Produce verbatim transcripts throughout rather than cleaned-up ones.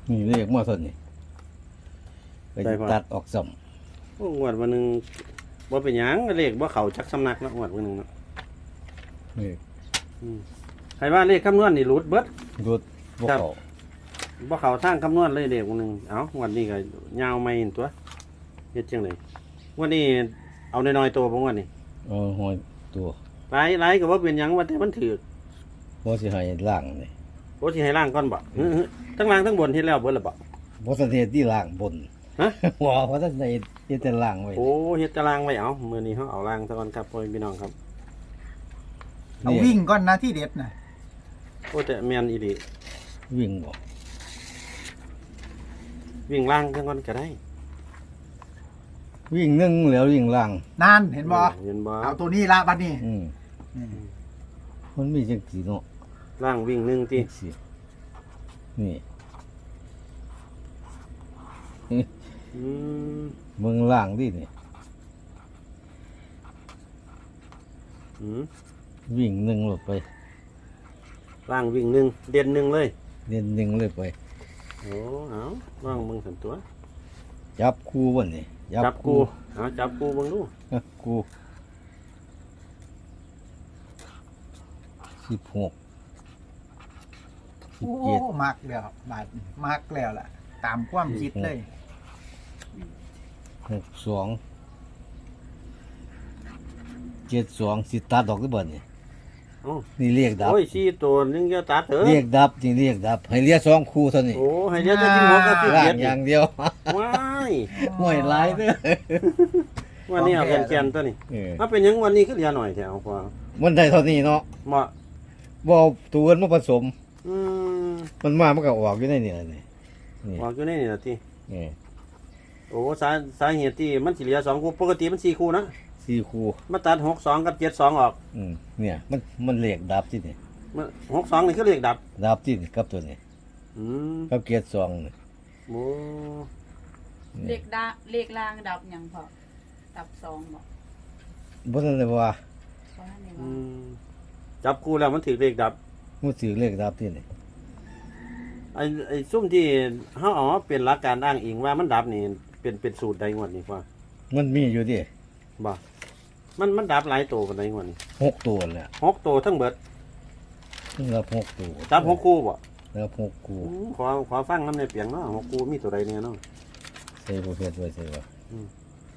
นี่เรียกมาส่วนนี่ไปตัดออกสมโอ้งวดวันหนึงบ่เป็นหยังเลขบ่เข้าจักสำนักเนาะงวดวันหนึงเนาะนี่อืมใครว่าเลขคำนวณนี่หลุดเบิดรุดพวกเขาบ่เข้าทางคำนวณเลยเลขวันหนึงเอ้างวดนี้ก็ยาวใหม่นั่นตัวเฮ็ดจังได๋งวดนี้เอาน้อยๆตัวบ่งวดนี้เอาหอยตัวหลายหลายก็บ่เป็นหยังว่าแต่มันถูกบ่สิให้ล่างนี่โอ้สิให้ล่างก่อนบ่อื้อๆทั้งล่างทั้งบนเฮ็ดแล้วเบิดแล้วบ่บ่ทันเฮ็ดที่ล่างบนฮะหัวบ่ทันได้เฮ็ดแต่ล่างไว้โอ้เฮ็ดตารางไว้เอามื้อนี้เฮาเอาล่างซะก่อนครับพ่อพี่น้องครับเอาวิ่งก่อนนะที่เด็ดนะโอ้แต่แม่นอีหลีวิ่งบ่วิ่งล่างซะก่อนก็ได้วิ่งหนึ่งแล้ววิ่งล่างนานเห็นบ่เห็นบ่เอาตัวนี้ละบัดนี้อืมอืมมันมีจังสีเนาะล่างวิ่งหนึ่งติจังสีนี่อืมเมืองล่างดินี่อืมวิ่งหนึ่งลงไปล่างวิ่งหนึ่งเด่นหนึ่งเลยเรียนหนึ่งเลยไปโอ้เอาล่างมึงสันตัวจับคู่บ่นี่จับกูเอาจับกูเบิ่งดูจับคู่สิบหกสิบโอ้เจ็ดมักแล้วบาดนี้มักแล้วล่ะ ตามความคิดเลยหกสองเจ็ดสองสิตัดดอกหรือเปล่านี่โอ้นี่เรียกดับโอ้ยสี่ตัวนึงจะตัดเถอะเรียกดับนี่เรียกดับ ให้เรียกสองคู่เท่านี้โอ้ให้เดี๋ยวจะกินหัวกับพี่ล่าเกียงรอย่างเดียวว้ายห่วยหลายเด้อวันนี้เอาแกนๆตัวนี้เออถ้าเป็นหยังวันนี้ก็เหลือหน่อยแถวพอมันได้เท่านี้เนาะเหมาะบ่เอาตัวอื่นมาผสมอืมมันมามันก็ออกอยู่ในนี่แหละนี่นี่ออกอยู่ในนี่ล่ะตินี่โอ้สาสาเหตุที่มันสิเหลือสองคู่ปกติมันสี่คู่นะสี่คู่มาตัดหกสองกับเจ็ดสองออกอืมเนี่ยมันมันเรียกดับที่นี่มันหกสองนี่คือเลขดับดับที่นี่กับตัวนี้อืมกับเกียรติสองนี่โอ้เลขดาเลขล่างดับหยังพอดับสองบอกบ่ทันได้ว่าเพราะในอืว่ามจับคู่แล้วมันถือเลขดับมันถือเลขดับที่นี่ไอ้ไอ้ซุ่มที่เฮาเอามาเป็นหลักการอ้างอิงว่ามันดับนี่เป็นเป็นสูตรใดงวดนี่ว่ามันมีอยู่ดิบ่มันมันดับหลายตัวปานใดงวดนี่หกตัวแหละหกตัวทั้งเบิดมันรับหกตัวจับหกคู่บ่รับหกคู่อืมขอขอฟังนำในเปียงเนาะหกคู่มีตัวใดเนี่ยเนาะใส่ประเภทไว้ใส่ว่าอืม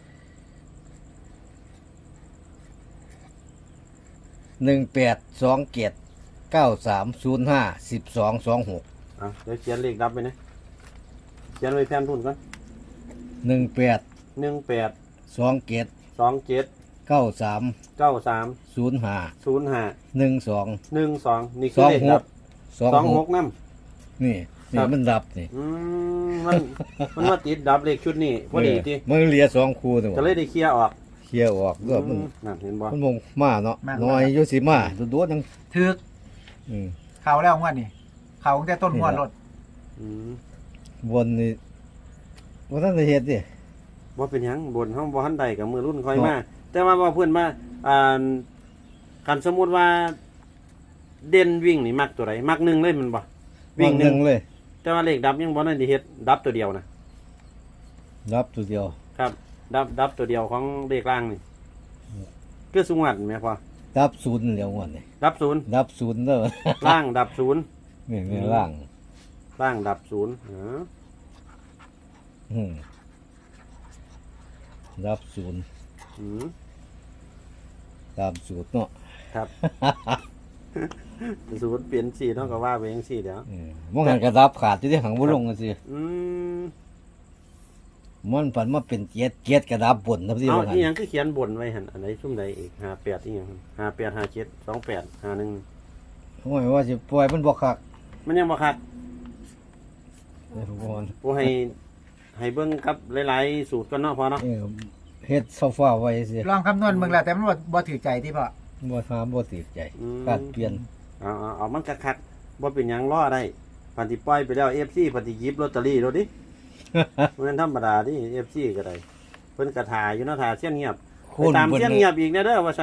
หนึ่งแปดสองเจ็ดเก้าสามศูนย์ห้าสิบสองสองหกอ่ะเดี๋ยวเขียนเลขดับไปนะเขียนไว้แทนทุนก่อนหนึ่งแปดหนึ่งแปดสองเจ็ดสองเจ็ดเก้าสามเก้าสามศูนย์ห้าศูนย์ห้าหนึ่งสองหนึ่งสองนี่สคือองเลขหดักบสองสองหหกกน้นี่ครันี่บมันดับนี่ำอืมมันมันมาติดดับเลขชุดนี้พอดีทีเออมันเหลียสองคู่ตัวก็เลยได้เคลียร์ออกเคลียร์ออกก็มันอืมนั่นเห็นบ่มันมงมาเนาะน้อยอยู่สิมาตัวๆจังถึกอืมเขาแล้วงวดนี่เขาตั้งแต่ต้นงวดรถอืมบนนี่บ่ทันได้เฮ็ดดิบ่เป็นหยังบนห้องบ่ทันใดกับมือรุ่นค่อยเนาะมาแต่ว่าว่าเพื่อนมาอ่าคันสมมุติว่า เด่นวิ่งนี่มักตัวใดมักหนึ่งเลยแมันบ่วิ่งหหนึ่นึ่งงเลยแต่ว่าเลขดับยังบ่ได้เฮ็ดดับตัวเดียวนะรับตัวเดียวครับ ดับดับตัวเดียวของเลขล่างนี่คือสุงวัดแม่พ่อรับศูนย์เดียวงวดนี่ดับศูนย์รับศูนย์เด้อล่างดับศูนย์นี่นี่ล่างล่างดับศูนย์อ๋ออืมรับศูนย์อืมตามสูตรเนาะครับ ศูนย์เปลี่ยนสีเท่ากับว่าไปจังซี่เดี๋ยวเออบ่งั้นก็รับขาดอยู่ที่หังบ่ลงจังซี่อืมมันฝันมาเป็นเจ็ดเจ็ดกระดับบนครับที่เอาว่างั้นอีหยังคือเขียนบนไว้หั่นอันไหนซุ่มใดอีกห้าแปดอีหยังห้าแปดห้าเจ็ดสองแปดห้าหนึ่งโอ้ยว่าสิปล่อยมันบ่คักมันยังบ่คักเออบ่อนผู้ให้ให้เบิ่งครับหลายๆสูตรก่อนเนาะพอเนาะเออเฮ็ดโซฟาไว้สิลองคำนวณมึงแล้วแต่มันบ่บ่ถือใจที่พ่อบ่ถามบ่ติดใจอืมการเปลี่ยนเอาเอาเอามันคักๆบ่เป็นหยังรอได้พันที่ปล่อยไปแล้ว เอฟ ซี พันที่หยิบลอตเตอรี่โลดดิ มันธรรมดาดิ เอฟ ซี ก็ได้เพิ่นกระทาอยู่เนาะทาเสี้ยนเงียบคไปนตามเพิ่นเสี้ยนเงียบอีกแน่เด้อว่าซั่นค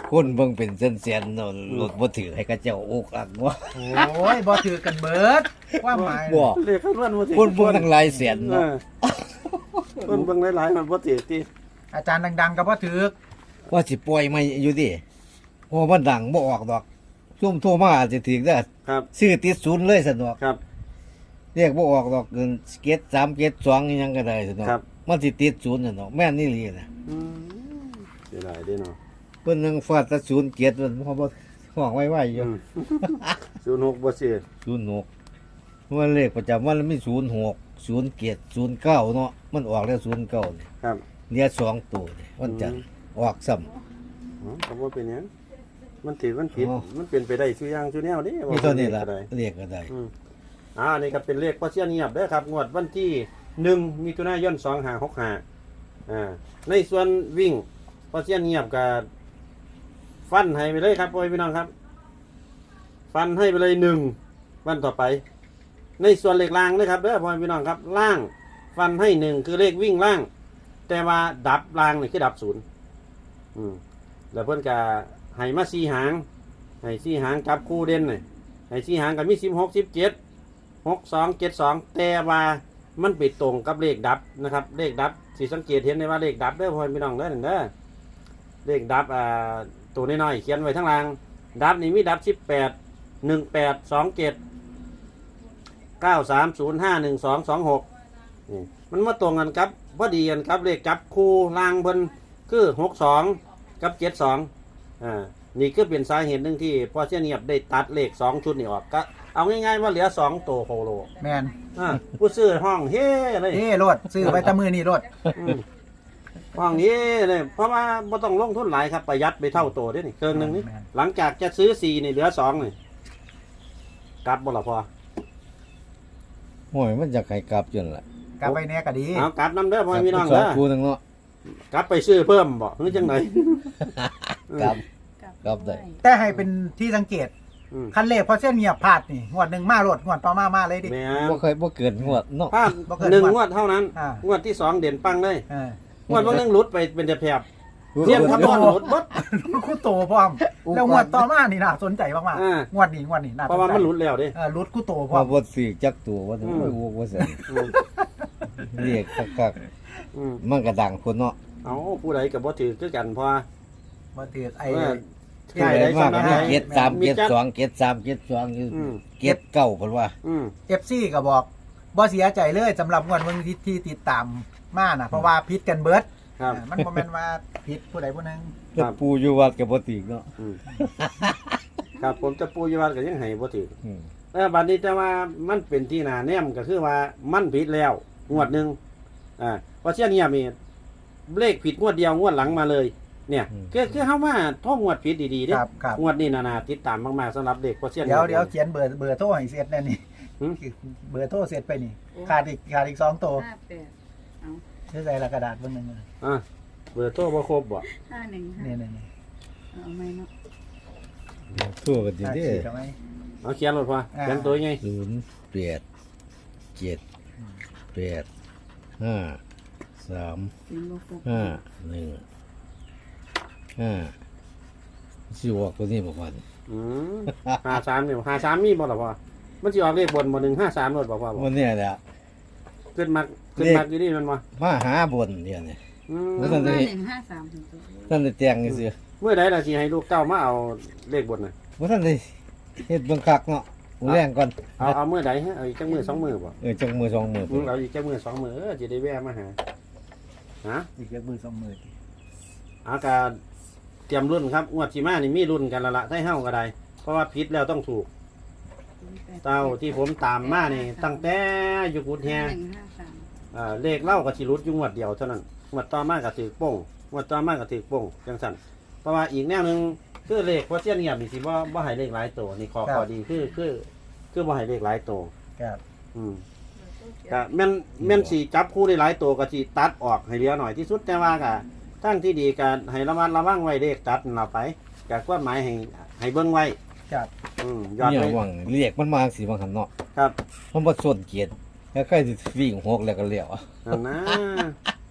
คนเบิ่งเป็นแสนๆเนาะรถบ่ถือให้เขาเจ้าอกอักว่าโอ้ยบ่ถือกันเบิดความหมายบ่เลขคำนวณบ่ถือคนเบิ่งทั้งหลายแสนเอเนาะอคนเบิ่งหลายๆมันบ่ถือติอาจารย์ดังๆก็บ่ถือว่าสิปล่อยมาอยู่ดิเพราะมันดังบ่ออกดอกซุ่มโทรมาอาจสิถึงได้อครับซื้อติดศูนย์เลยซั่นดอกครับเรียกบ่ออกดอกเกินเกตสามเกตสองอีหยังก็ได้ซั่นดอกครับมันสิติดศูนย์ซั่นดอกแม่นนี่ลีน่ะอืมเสียดายเด้เนาะเพิ่นนึงฟาดแตะศูนย์เกตมันพอบ่ห้องไว้ๆอยู่อืมศูนย์หกบ่ซื้อศูนย์หกมันเลขประจำวันมันมีศูนย์หกศูนย์เกตศูนย์เก้าเนาะมันออกแล้วศูนย์เก้านี่ครับเนี่ยสองตัวนี่วันจันทร์ออกซ้ำอ๋อก็บ่เป็นหยังมันถือมันผิดอ๋อมันเป็นไปได้ซุอย่างซุแนวเด้มีเท่านี้ล่ะก็ได้เรียกก็ได้อืมอ่าอันนี้ก็เป็นเลขพอเสียเงียบเด้อครับงวดวันที่หนึ่งมิถุนายนสองห้าหกห้าอ่าในส่วนวิ่งพอเสียเงียบก็ฟันให้ไปเลยครับพ่อพี่น้องครับ ฟันให้ไปเลยหนึ่งวันต่อไป ในส่วนเลขล่างนะครับเด้อพ่อพี่น้องครับ ล่างฟันให้หนึ่งคือเลขวิ่งล่าง แต่ว่าดับล่างนี่คือดับศูนย์อืมแล้วเพิ่นก็ให้มาสี่หางให้สี่หางจับคู่เด่นนี่ให้สี่หางก็มีสิบหกสิบเจ็ดหกสองเจ็ดสองแต่ว่ามันไปตรงกับเลขดับนะครับ เลขดับสีสังเกตเห็นได้ว่าเลขดับเด้อพ่อพี่น้องเด้อเด้อเลขดับอ่าตัวน้อยๆเขียนไว้ทั้งล่าง ดับนี่มีดับสิบแปดหนึ่งแปดสองเจ็ดเก้าสามศูนย์ห้าหนึ่งสองสองหกนี่มันมาตรงกันครับพอดีกันครับเลขจับคู่ล่างเพิ่นคือหกสองกับเจ็ดสองอ่านี่ก็เป็นสาเหตุหนึ่งที่พอเสียเนียบได้ตัดเลขสองชุดนี่ออกก็เอาง่ายๆว่าเหลือสองตัวโคโลแม่นอ่าผู้ซื้อห้องเฮ้เลยเอ้โลดซื้อไว้แตะมือนี่โลดอืมห้องนี้เลยเพราะว่าไม่ต้องลงทุนหลายครับประหยัดไปเท่าตัวเด้อนี่เกินหนึ่งนี่แม่นหลังจากจะซื้อสี่นี่เหลือสองนี่กลับบ่ละพอโอ้ยมันจะให้กลับจนล่ะกลับไปแน่ก็ดีเอากลับน้ำเด้อพ่อพี่น้องสอเด้งอคู่นึงเนาะกลับไปซื้อเพิ่มบ่หรือจังไหนกลับกลับกลับได้แต่ให้เป็นที่สังเกตอืมคันเลขพอเส้นเงียบพลาดนี่งวดหนึ่งมาโลดงวดต่อมามาเลยดิแม่บ่เคยบ่เกินงวดเนาะพลาดบ่เกินหนึ่งงวดงวดเท่านั้นอ่างวดที่สองเด่นปังเลยเอองวดวันหนึงหลุดไปเป็นแต่แผบเทียมคำนวณหลุดบดคู่โตพร้อมแล้วงวดต่อมานี่น่าสนใจมากอ่าๆงวดนี้งวดนี้น่าสนเพราะว่าใจมันหลุดแล้วเด้เออรุดคู่โตพพร้ออมบ่ซื้อจักตัวว่าอืมโอ้ยโว้ว่าซั่นอืมเรียกคักอืมๆมันก็ดังคนเนาะเอาผู้ใดกับบ่ถือคือกันเพราะว่าบ่ถือไอ้เออผู้ใดมากก็มีเกตสามมีเกตจัดสองเกตสามเกตสองอยู่อืมเกตเก้าเพิ่นว่าอืมเอฟซีก็บอกบ่เสียใจเลยสำหรับงวดเบิ่งที่ที่ติดตามมาน่ะเพราะว่าผิดกันเบิดครับอ่ามันบ่แม่นว่าผิดผู้ใดผู้หนึงครับปูอยู่วัดก็บ่ติกเนาะอืมครับผมจะปูอยวัดก็ยังให้บ่ถืออืมเออบัดนี้แต่ว่ามันเป็นที่นาแนมก็คือว่ามันผิดแล้วงวดหนึ่งอ่าเพราะเช่นนี้มีเลขผิดงวดเดียวงวดหลังมาเลย เนี่ยคือคือเฮาว่าท่องงวดผิดดีๆเด้ครับครับงวดนี้นานาติดตามมากๆสำหรับเด็กเพราะเช่นเดี๋ยวเดี๋ยวเขียนเบอร์เบอร์โทรให้เสร็จแน่นี่หืมเบอร์โทรเสร็จไปนี่ขาดอีกขาดอีกสองตัวห้าแปดเอาใช้ใส่ละกระดาษเบิ่งหนึงเลยอ่ะเบอร์โทรบ่ครบบ่ห้าหนึ่งห้านี่นี่นี่เอาไหมเนาะทั่วกันดีขาดเด้ขีดเอาไหมเอาเขียนรถพออ่าเขียนตัวไงศูนย์แปดเจ็ดแปดห้าสามเสียงโลกห้าหนึ่งห้าสิออกตัวนี้บอกว่าอืมห้าสามนี่ห้าสามมีบ่ล่ะพ่อมันสิออกเลขบนบ่หนึ่งห้าสามรถบ่พ่อบ่วันนี้แหละขึ้นมาขึ้นมาอยู่นี่มันบ่มาหาบนเนี่ยนี่อืมแล้วห้าท่านได้หนึ่งห้าสามถึงตัวท่านได้แต่งนี่สิเมื่อใดล่ะสิให้ลูกเต้ามาเอาเลขบนน่ะว่าท่านได้เฮ็ดเบิ่งคักเนาะหมูแรงก่อนเอาเอาเมื่อใดฮะเอาอีกจักมือสองมือบ่เออจังมือสองมืออืมเอาอีกจักมือสองมือเออจะได้แวะมาหาฮะอีกเยอะมือสองมืออากาศเตรียมรุ่นครับงวดสิมานี่มีรุ่นกันและละให้เฮาก็ได้เพราะว่าผิดแล้วต้องถูกเต้าที่ผมตามมานี่ตั้งแต่อยู่กุดแฮห้าหนึ่งห้าสามอ่าเลขเล่าก็สิรุดอยู่งวดเดียวเท่านั้นงวดต่อมาก็ถือโป้งงวดต่อมาก็ถือโป้งจังซั่นเพราะว่าอีกแนวหนึงคือเลขว่าเสี้ยนเงียบนี่สิบ่บ่ให้เลขหลายตัวนี่ขอขอดีคือคือคือบ่ให้เลขหลายตัวครับอืมก็แม่นแม่นสิจับคู่ได้หลายตัวก็สิตัดออกให้เหลือหน่อยที่สุดแต่ว่าก็ทั้งที่ดีก็ให้ระมัดระวังไว้เลขตัดนั่นเราไปก็ความหมายให้ให้เบิ่งไว้ครับอืมยอดเนี่ยไปหวังเรียกมันมาสิบางหันเนาะครับมันบ่ส่วนเกียรติแล้วใครสิวิ่งหกแล้วก็เลี้ยวนั่นนะ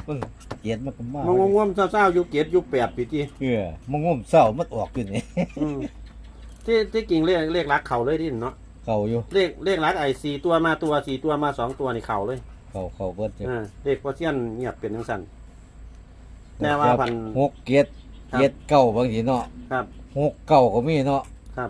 มันเกียดมันก็มามันง่วงๆเศร้าๆอยู่เจ็ดอยู่แปดปีที่เออมันงมเศร้ามันออกอยู่นี่อืมที่ที่กิ่งเลขเลขรักเข่าเลยดิเนาะเข้าอยู่เลขเลขรักไอ้สี่ตัวมาตัวสี่ตัวมาสองตัวนี่เข่าเลยเข้าเข้าเบิดจ้ะอ่าเลขพอเซียนเงียบเป็นจังซั่นแต่ว่าพันหกเกียรครับเกียรเก้าบางทีเนาะครับหกเก้าก็มีเนาะครับ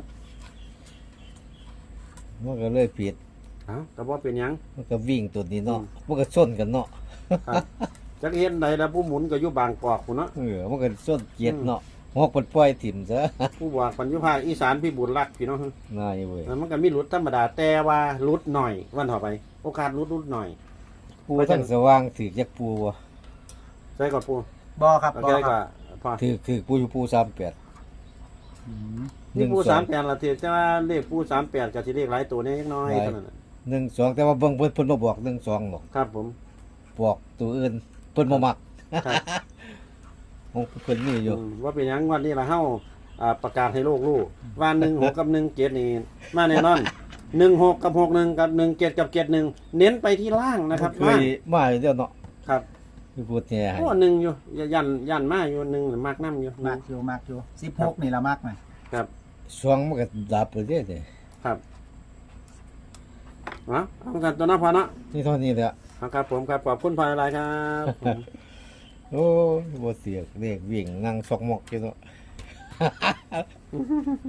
มันก็เลยผิดเอ้าแต่ว่าเป็นหยังมันก็วิ่งตัวนี้เนาะอืมมันก็ส้นกันเนาะครับจักเห็นใดแล้วผู้หมุนก็อยู่บางกอกพุ่นเนาะเออมันก็ส้นเกียรเนาะหกมันปล่อยถิ่มซะผู้บอกปัญญุภาคอีสานพี่บุญรักพี่น้องน่าอยู่เว้ยมันก็มีหลุดธรรมดาแต่ว่าหลุดหน่อยวันต่อไป โอกาสหลุดหลุดหน่อยปูทั้งสว่างถือจักปูบ่ใช่ก่อนปูบอครับโอบอเคคก็รับพอถือถือปูอยู่ปูสามแปดอืมนี่ปูสามแปดละทีแต่ว่าเลขปูสามแปดกับที่เลขหลายตัวนี้ยังน้อยเท่านั้นน่ะหนึ่งสองแต่ว่าเบิ่งเพิ่นเพิ่นมาบอกหนึ่งสองหรอกครับผมบอกตัวอื่นเพิ่นบ่มักครับของเพิ่นมีอยู่อืมว่าเป็นหยังวันนี้ละเฮาอ่าประกาศให้โลกรู้ว่าหนึ่งหกกับหนึ่งเจ็ดนี่มาแน่นอนหนึ่งหกกับหกหนึ่งกับหนึ่งเจ็ดกับเจ็ดหนึ่งเน้นไปที่ล่างนะครับเคยมาอยู่เด้อเนาะครับคือพูดเนี่ยให้โอ้หนึ่งอยู่ยันยันมาอยู่หนึ่งมากน้ำอยู่มากอยู่มากอยู่สิบหกนี่ละมากหน่อยครับช่วงมันก็ดับไปเรื่อยๆครับเอาเอากันตัวน้าพอเนาะนี่เท่านี้แหละเอาครับผมครับขอบคุณพลอยอะไรครับ ผมโอ้ยบ่เสียกเรียกวิ่งนั่งซอกหมอกอยู่เนาะ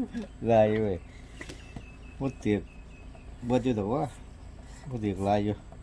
ลายเว้ยบ่เสียกบ่อยู่ดอกว่าบ่เสียกลายอยู่